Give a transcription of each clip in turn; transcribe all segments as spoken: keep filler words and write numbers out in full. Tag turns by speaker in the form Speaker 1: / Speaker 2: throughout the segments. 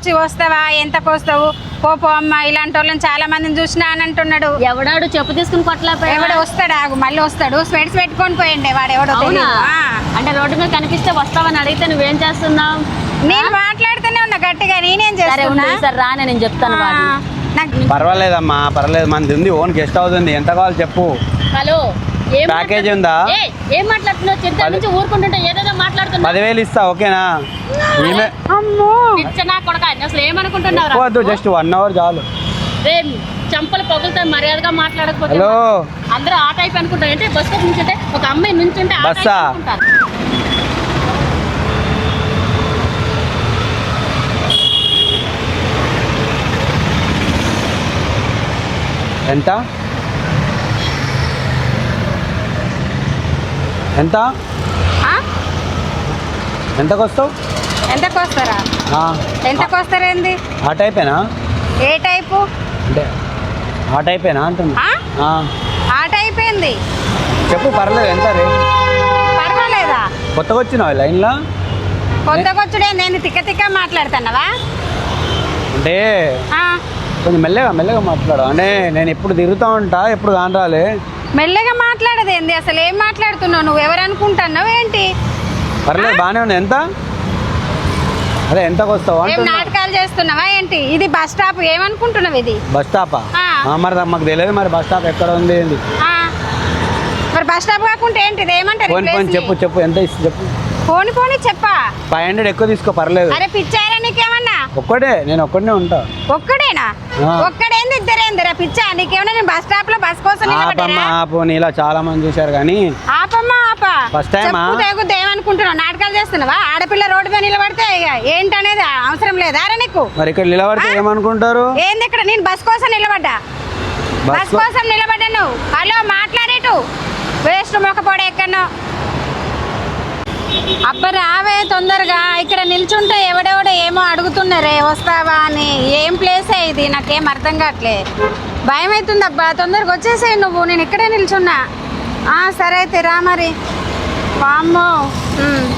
Speaker 1: వచ్చి వస్తావా ఎంతకు వస్తావు పోపో అమ్మ ఇలాంటి వాళ్ళని చాలా మందిని చూసినా అని అంటున్నాడు.
Speaker 2: ఎవడాడు చెప్పు తీసుకుని కొట్టలేకపోయా?
Speaker 1: ఎవడు వస్తాడు ఆగు మళ్ళీ వస్తాడు స్వెట్స్ పెట్టుకొని పోయిండే వాడు ఎవడో
Speaker 2: అవునా?
Speaker 1: తెలీదు. ఆ.
Speaker 2: అంటే రోడ్డు మీద కనిపిస్తే వస్తావని అడిగితే నువ్వేం చేస్తున్నావు?
Speaker 1: నేను మాట్లాడుతూనే ఉన్నా గట్టిగా నేనేం
Speaker 2: సరే ఉండు
Speaker 1: చేస్తున్నా
Speaker 2: ఈసారి రా నేను చెప్తాను
Speaker 1: ఆ,
Speaker 2: వాడిని.
Speaker 1: నాకు
Speaker 3: పర్వాలేదమ్మా పర్వాలేదు, మనది ఉంది ఓన్ గెస్ట్ హౌస్ ఉంది, ఎంత కావాలి చెప్పు.
Speaker 2: హలో ఏం
Speaker 3: ప్యాకేజ్
Speaker 2: మాట్లాడు-
Speaker 3: ఉందా?
Speaker 2: ఏయ్, ఏం మాట్లాడుతున్నావు? చిత్త నుంచి ఊరుకుంటుంటే ఏదేదో మాట్లాడుతున్నావు.
Speaker 3: పదివేలు ఇస్తా ఓకేనా? ఈమె
Speaker 1: అమ్మో
Speaker 2: పిచ్చనా కొడక అసలు ఏమనుకుంటున్నావు?
Speaker 3: వద్దు జస్ట్ వన్ అవర్ చాలు.
Speaker 2: రే చంపలు పగులుతో మర్యాదగా మాట్లాడకపోతే
Speaker 3: హలో
Speaker 2: అందరూ ఆ టైప్ అనుకుంటారు. అంటే బస్ స్టాప్ నుంచుంటే ఒక అమ్మాయి నుంచుంటే ఆ టైప్
Speaker 3: బస్సా?
Speaker 2: అనుకుంటారు.
Speaker 3: ఎంత ఎంత
Speaker 1: ఆ?
Speaker 3: ఎంతకు వస్తావు?
Speaker 1: ఎంతకు వస్తారా
Speaker 3: ఆ,
Speaker 1: ఎంతకు వస్తారేంది
Speaker 3: ఆ టైపేనా?
Speaker 1: ఏ టైపు
Speaker 3: అంటే ఆ టైపేనా అంటున్నా.
Speaker 1: ఆ?
Speaker 3: ఆ,
Speaker 1: ఆ టైప్ ఏంది
Speaker 3: చెప్పు పర్లేదు ఎంత రే?
Speaker 1: పర్వాలేదా
Speaker 3: కొత్తగా వచ్చినావు లైన్లో?
Speaker 1: కొత్తకొచ్చుడే నేను తిక్క తిక్క మాట్లాడుతున్నావా
Speaker 3: అంటే
Speaker 1: ఆ,
Speaker 3: కొంచెం మెల్లగా మెల్లగా మాట్లాడు. అంటే నేను ఎప్పుడు తిరుగుతూ ఉంటా ఎప్పుడు కానరాలే.
Speaker 1: మెల్లగా మాట్లాడదు ఏంది అసలు ఏం మాట్లాడుతున్నావు నువ్వు ఎవరు అనుకుంటున్నావు ఏంటి
Speaker 3: పర్లేదు బాగానే ఉంది. ఎంత అదే ఎంతకు వస్తావు
Speaker 1: ఏం
Speaker 3: అంటున్నా.
Speaker 1: నాటకాలు చేస్తున్నావా ఏంటి ఇది బస్ స్టాప్ ఏమనుకుంటున్నావు ఇది
Speaker 3: బస్ స్టాపా?
Speaker 1: ఆ.
Speaker 3: ఆ, మరి మాకు తెలియదు మరి బస్ స్టాప్ ఎక్కడ ఉంది ఏంది.
Speaker 1: ఆ, మరి బస్ స్టాప్ కాకుంటే ఏంటి ఇది ఏమంటారు ఈ
Speaker 3: ఫోన్ ఫోన్
Speaker 1: ప్లేస్ని?
Speaker 3: చెప్పు చెప్పు ఎంత ఇస్తుంది చెప్పు.
Speaker 1: పోని పోని చెప్పా
Speaker 3: ఫైవ్ హండ్రెడ్ ఎక్కువ తీసుకో పర్లేదు.
Speaker 1: అరే పిచ్చారా నీకేమన్నా
Speaker 3: ఒక్కడే నేను ఒక్కడనే ఉంటా.
Speaker 1: ఒక్కడేనా
Speaker 3: ఆ.
Speaker 1: ఒక్కడేంది ఇద్దరేందిరా పిచ్చా నీకేమన్నా నేను బస్ స్టాప్ లో బస్ కోసం
Speaker 3: ఆపమ్మ
Speaker 1: నిలబడ్డారా?
Speaker 3: ఆపు, నీలా చాలా మంది చూశారు కానీ
Speaker 1: ఆపమ్మా ఆపా
Speaker 3: First time ఆ?
Speaker 1: చెప్పు తెగుద్దు ఏమనుకుంటున్నావు నాటకాలు చేస్తున్నావా ఆడపిల్ల రోడ్డు మీద నిలబడితే ఇక ఏంటనేది అవసరం లేదా రా నీకు
Speaker 3: మరి ఇక్కడ నిలబడితే
Speaker 1: ఆ?
Speaker 3: ఏమనుకుంటారు?
Speaker 1: ఏంది ఇక్కడ నేను బస్ కోసం నిలబడ్డా
Speaker 3: బస్
Speaker 1: బస్ కోసం నిలబడ్డా నువ్వు హలో మాట్లాడేటు వేస్ట్ మొక్కపోడే ఎక్కడో అబ్బ రావే తొందరగా ఇక్కడ నిల్చుంటే ఎవడెవడో ఏమో అడుగుతున్నారే వస్తావా అని ఏం ప్లేసే ఇది నాకేం అర్థం కావట్లే భయం అవుతుంది అబ్బా తొందరగా వచ్చేసేయి నువ్వు నేను ఇక్కడే నిల్చున్నా ఆ, సరే అయితే రా మరి వామ్మో ఉమ్.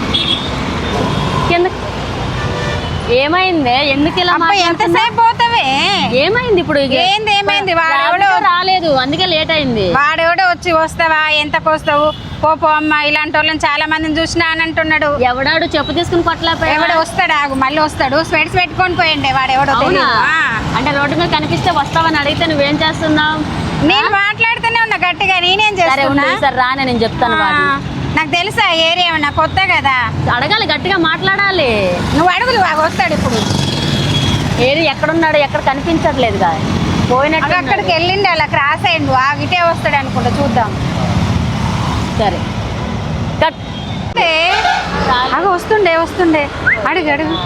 Speaker 2: కింద ఏమైంది? ఎందుకు ఇలా
Speaker 1: అబ్బా
Speaker 2: మాట్లాడుతున్నావ్?
Speaker 1: ఎంతసేపు పోతావే
Speaker 2: ఏమైంది ఇప్పుడు? ఇక?
Speaker 1: ఏంది ఏమైంది వాడెవడో
Speaker 2: రాబితో రాలేదు అందుకే లేట్ అయింది.
Speaker 1: వాడెవడో వచ్చి వస్తావా ఎంతకు వస్తావు పోపో అమ్మ ఇలాంటి వాళ్ళని చాలా మందిని చూసినా అని అంటున్నాడు.
Speaker 2: ఎవడాడు చెప్పు తీసుకుని కొట్టలేకపోయా?
Speaker 1: ఎవడో వస్తాడు ఆగు మళ్ళీ వస్తాడు స్వెట్స్ పెట్టుకొని పోయిండే వాడు ఎవడో
Speaker 2: అవునా?
Speaker 1: తెలీదు. ఆ.
Speaker 2: అంటే రోడ్డు మీద కనిపిస్తే వస్తావని అడిగితే నువ్వేం చేస్తున్నావు?
Speaker 1: నేను మాట్లాడుతూనే ఉన్నా గట్టిగా నేనేం
Speaker 2: సరే ఉండు
Speaker 1: చేస్తున్నా
Speaker 2: ఈసారి రా నేను చెప్తాను
Speaker 1: ఆ,
Speaker 2: వాడిని.
Speaker 1: నాకు తెలుసా ఏరియా ఏమన్నా కొత్త కదా
Speaker 2: అడగాలి గట్టిగా మాట్లాడాలి.
Speaker 1: నువ్వు అడుగులు వాడు వస్తాడు ఇప్పుడు
Speaker 2: ఏది ఎక్కడున్నాడు ఎక్కడ కనిపించట్లేదు కదా పోయినట్టు
Speaker 1: అగ అక్కడికి వెళ్ళిండి అలా క్రాస్ అయ్యిండు ఆగిటే వస్తాడు అనుకుంటా చూద్దాం
Speaker 2: సరే కట్.
Speaker 1: ఏ, అగ వస్తుండే వస్తుండే అడుగు అడుగు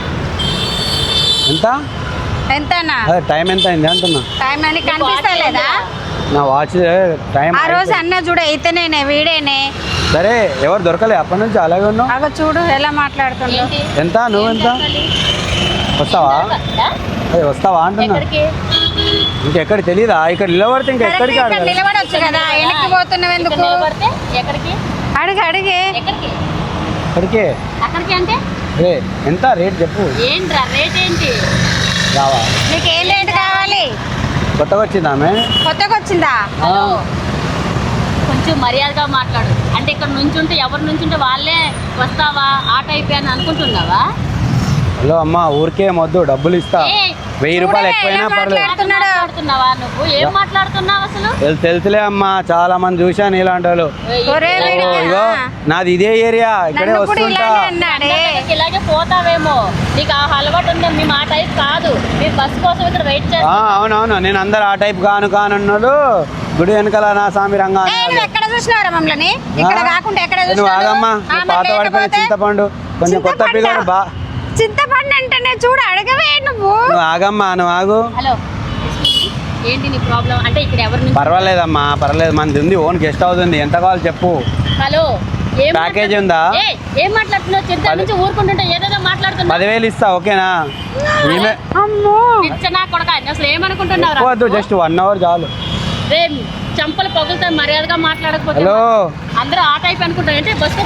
Speaker 3: ఎంత?
Speaker 1: ఎంతనా
Speaker 3: అదే టైం ఎంత అయింది అంటున్నా.
Speaker 1: టైం అని కనిపిస్తలేదా
Speaker 3: నా వాచ్ టైం
Speaker 1: ఆ రోజు అన్న చూడ అయితేనేనే వీడేనే
Speaker 3: సరే ఎవరు దొరకలే అప్పటి నుంచి అలాగే ఉన్నావు.
Speaker 1: అగ చూడు ఎలా మాట్లాడుతుండో
Speaker 2: ఏంటి?
Speaker 3: ఎంత నువ్వు ఎంత వస్తావా?
Speaker 2: దొరకదా?
Speaker 3: అదే వస్తావా అంటున్నా.
Speaker 2: ఎక్కడికి?
Speaker 3: ఇంకెక్కడ తెలీదా? ఇక్కడ నిలబడితే ఇంకా
Speaker 1: కరెక్ట్
Speaker 3: ఎక్కడికి
Speaker 1: ఇక్కడ
Speaker 3: ఆడదు.
Speaker 1: నిలబడొచ్చు కదా వెనక్కి పోతున్నావు
Speaker 2: ఇక్కడ
Speaker 1: ఎందుకు
Speaker 2: నిలబడితే ఎక్కడికి?
Speaker 1: అడుగు అడిగే
Speaker 2: ఎక్కడికి?
Speaker 3: ఇక్కడికే
Speaker 2: అక్కడికి అంటే
Speaker 3: రే ఎంత రేట్ చెప్పు.
Speaker 2: ఏంట్రా రేట్ ఏంటి?
Speaker 3: రావా?
Speaker 1: నీకు ఏం రేటు కావాలి
Speaker 3: కొత్తగా వచ్చింది ఆమె.
Speaker 1: కొత్తగా వచ్చిందా
Speaker 2: హలో కొంచెం మర్యాదగా మాట్లాడు. అంటే ఇక్కడ నుంచుంటే ఎవరు నుంచుంటే వాళ్ళే వస్తావా ఆ టైప్ అని అనుకుంటున్నావా?
Speaker 3: హలో అమ్మ ఊరికే మొద్దు డబ్బులు ఇస్తా.
Speaker 2: ఏయ్,
Speaker 3: వెయ్యి రూపాయలు
Speaker 1: చూడవే,
Speaker 3: ఎక్కువైనా
Speaker 1: ఎలా
Speaker 3: పర్లేదు.
Speaker 1: మాట్లాడుతున్నాడు.
Speaker 2: మాట్లాడుతున్నావా నువ్వు? ఏం మాట్లాడుతున్నావు అసలు?
Speaker 3: తెలు- తెలుసులే అమ్మా చాలా మంది చూశాను ఇలాంటి వాళ్ళు.
Speaker 2: ఏయ్,
Speaker 1: ఒరే
Speaker 2: ఇలా
Speaker 1: వీడికి,
Speaker 3: ఓ, ఇగో
Speaker 1: ఆ.
Speaker 3: నాది ఇదే ఏరియా ఇక్కడే
Speaker 1: నన్ను కూడా
Speaker 3: వస్తుంటా.
Speaker 1: ఇలాగే అన్నాడే
Speaker 2: అందరికీ ఇలాగే పోతావేమో. నీకు ఆ అలవాటు ఉందో మీ మా టైప్ కాదు. మీరు బస్ కోసం ఇక్కడ వెయిట్
Speaker 3: ఆ,
Speaker 2: చేస్తా.
Speaker 3: అవునవును నేను అందరు ఆ టైప్ కాను కానున్నాడు. గుడి వెనకాల నా స్వామి రంగా
Speaker 1: ఏ, నువ్వు ఎక్కడ చూసినావురా మమ్మల్ని ఇక్కడ కాకుండా ఎక్కడ
Speaker 3: నువ్వు
Speaker 1: చూసినావు?
Speaker 3: ఆగమ్మా
Speaker 1: ఆ,
Speaker 3: నువ్వు
Speaker 1: మరి
Speaker 3: పాత పడిపోయిన
Speaker 1: లేకపోతే?
Speaker 3: చింతపండు కొంచెం కొత్త
Speaker 1: చింతపండా?
Speaker 3: పిల్లడు బా
Speaker 1: చింతపండు అంటేనే చూడు అడగవే నువ్వు
Speaker 3: నువ్వు ఆగమ్మా నువ్వు ఆగు.
Speaker 2: హలో ఏంటి నీ ప్రాబ్లం? అంటే ఇక్కడ ఎవరి నుంచి?
Speaker 3: పర్వాలేదమ్మా పర్లేదు మనది ఉంది ఓన్ గెస్ట్ హౌస్ ఉంది, ఎంత కావాలి చెప్పు.
Speaker 2: హలో ఏం
Speaker 3: ప్యాకేజ్
Speaker 2: మాట్లాడు-
Speaker 3: ఉందా?
Speaker 2: ఏయ్, ఏం మాట్లాడుతున్నావు? చిత్త
Speaker 3: పది-
Speaker 2: నుంచి ఊరుకుంటుంటే ఏదేదో మాట్లాడుతున్నావు.
Speaker 3: పదివేలు ఇస్తా ఓకేనా? ఈమె
Speaker 1: అమ్మో
Speaker 2: పిచ్చనా కొడక అసలు ఏమనుకుంటున్నావు?
Speaker 3: వద్దు జస్ట్ వన్ అవర్ చాలు.
Speaker 2: రే చంపలు పగులుతో మర్యాదగా మాట్లాడకపోతే
Speaker 3: హలో
Speaker 2: అందరూ ఆ టైప్ అనుకుంటారు. అంటే బస్ స్టాప్ నుంచి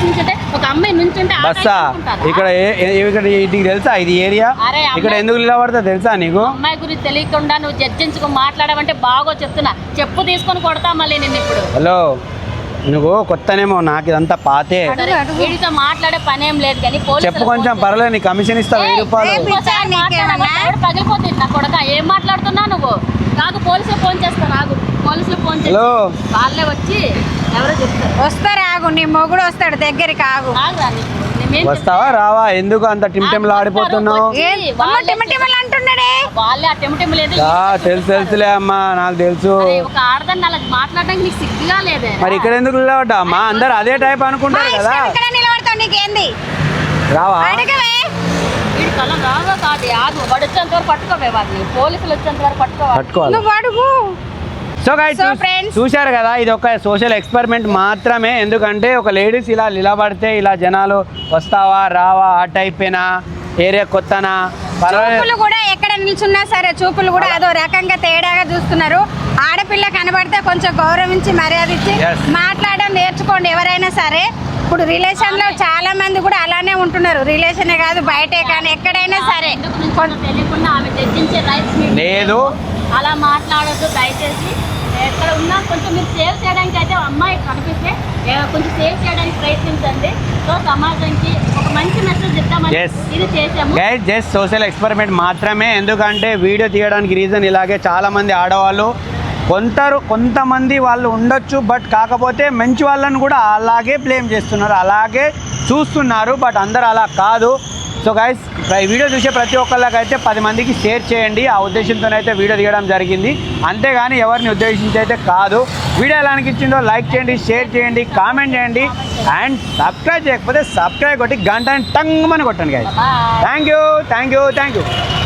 Speaker 2: ఒక అమ్మాయి నుంచుంటే ఆ
Speaker 3: బస్సా
Speaker 2: టైప్ అనుకుంటారా?
Speaker 3: ఇక్కడ ఏ- ఏ- ఇక్కడ నీకు తెలుసా ఇది ఏరియా
Speaker 2: అరే అమ్మాయి-
Speaker 3: ఇక్కడ ఎందుకు నిలబడతా తెలుసా నీకు
Speaker 2: అమ్మాయి గురించి తెలియకుండా నువ్వు జడ్జించుకో మాట్లాడమంటే బాగో చెప్తున్నా. చెప్పు తీసుకొని కొడతా మళ్ళీ నిన్ను ఇప్పుడు.
Speaker 3: హలో నువ్వు కొత్తనేమో నాకు ఇదంతా పాతే
Speaker 2: సరే, వీడితో మాట్లాడే పని ఏం లేదు కానీ పోలీసులకు
Speaker 3: చెప్పు కొంచెం
Speaker 2: ఫోన్
Speaker 3: పర్లేదు నీ కమిషన్ ఇస్తా వెయ్యి
Speaker 2: ఏయ్,
Speaker 3: రూపాయలు
Speaker 2: రేపు ఇంకోసారి మాట్లాడమా? ఎవడు పగిలిపోతుంది నా కొడక. ఏం మాట్లాడుతున్నావు నువ్వు? నాకు పోలీసులు ఫోన్ చేస్తా. నాకు పోలీసులు ఫోన్ చేసి
Speaker 3: హలో
Speaker 2: వాళ్ళే వచ్చి ఎవరో చెప్తారు.
Speaker 1: వస్తారు ఆగు, నీ మొగుడు వస్తాడు దగ్గరికి ఆగు.
Speaker 2: ఆగురా నీకు. నేనేం
Speaker 3: వస్తావా రావా ఎందుకు అంత టిమ్టెంలు ఆడిపోతున్నావు
Speaker 2: వచ్చి
Speaker 1: ఏ, అమ్మ
Speaker 2: వాళ్ళే
Speaker 1: టిమటిమలు అంటున్నాడే.
Speaker 2: వాళ్ళే ఆ టెంటెం లేదు.
Speaker 3: దా, తెలుసు తెలుసులే అమ్మా నాకు తెలుసు
Speaker 2: అరే, ఒక ఆడదాన్ని అలా మాట్లాడడానికి నీకు సిగ్గుగా లేదే?
Speaker 3: మరి ఇక్కడ ఎందుకు నిలబడ్డా అమ్మా అందరు అదే టైప్
Speaker 1: మా
Speaker 3: అనుకుంటారు కదా
Speaker 1: ఇష్టం ఇక్కడ నిలబడతావు, నీకేంది?
Speaker 3: రావా
Speaker 1: అడగవే.
Speaker 2: వీడి కలం రావా కాదు. ఆగు, వాడు వచ్చేంత వరకు పట్టుకోవే వాడిని. పోలీసులు వచ్చేంత వరకు పట్టుకోవాలి.
Speaker 3: పట్టుకోవాలి
Speaker 1: నువ్వు అడుగు.
Speaker 3: సో గైస్
Speaker 1: So friends-
Speaker 3: చూశారు కదా ఇది ఒక సోషల్ ఎక్స్పెరిమెంట్ మాత్రమే ఎందుకంటే ఒక లేడీస్ ఇలా నిలబడితే ఇలా జనాలు వస్తావా రావా ఆ టైపేనా ఏరియా కొత్తనా పర్వాలేదు
Speaker 1: చూపులు కూడా ఎక్కడ నిల్చున్నా సరే చూపులు కూడా అదో రకంగా తేడాగా చూస్తున్నారు. ఆడపిల్ల కనబడితే కొంచెం గౌరవించి మర్యాద ఇచ్చి
Speaker 3: Yes.
Speaker 1: మాట్లాడడం నేర్చుకోండి ఎవరైనా సరే. ఇప్పుడు రిలేషన్ లో చాలా మంది కూడా అలానే ఉంటున్నారు. రిలేషనే కాదు బయటే కానీ ఎక్కడైనా సరే.
Speaker 2: ఎందుకు నుంచో తెలియకుండా ఆమె చర్చించే రైట్స్ మీకు
Speaker 3: లేదు.
Speaker 2: అలా మాట్లాడొద్దు దయచేసి. ఎక్కడ ఉన్నా కొంచెం మీరు సేవ్ చేయడానికి అయితే అమ్మాయి కనిపిస్తే ఏ, కొంచెం సేవ్ చేయడానికి ప్రయత్నించండి. సో సమాజానికి ఒక మంచి మెసేజ్ ఇద్దామని
Speaker 3: Yes.
Speaker 2: ఇది చేసాము.
Speaker 3: గైస్ జస్ట్ సోషల్ ఎక్స్పెరిమెంట్ మాత్రమే ఎందుకంటే వీడియో తీయడానికి రీజన్ ఇలాగే చాలా మంది ఆడవాళ్ళు కొందరు కొంతమంది వాళ్ళు ఉండొచ్చు బట్ కాకపోతే మంచి వాళ్ళని కూడా అలాగే బ్లేమ్ చేస్తున్నారు అలాగే చూస్తున్నారు బట్ అందరు అలా కాదు. సో గైస్ ఈ వీడియో చూసే ప్రతి ఒక్కళ్ళకైతే పది మందికి షేర్ చేయండి ఆ ఉద్దేశంతోనైతే వీడియో తీయడం జరిగింది అంతేగాని ఎవరిని ఉద్దేశించి అయితే కాదు. వీడియో ఎలా అనిపించిందో లైక్ చేయండి షేర్ చేయండి కామెంట్ చేయండి అండ్ సబ్స్క్రైబ్ చేయకపోతే సబ్స్క్రైబ్ కొట్టి గంట టంగ్ అని కొట్టండి guys.
Speaker 2: Bye.
Speaker 3: Thank you thank you thank you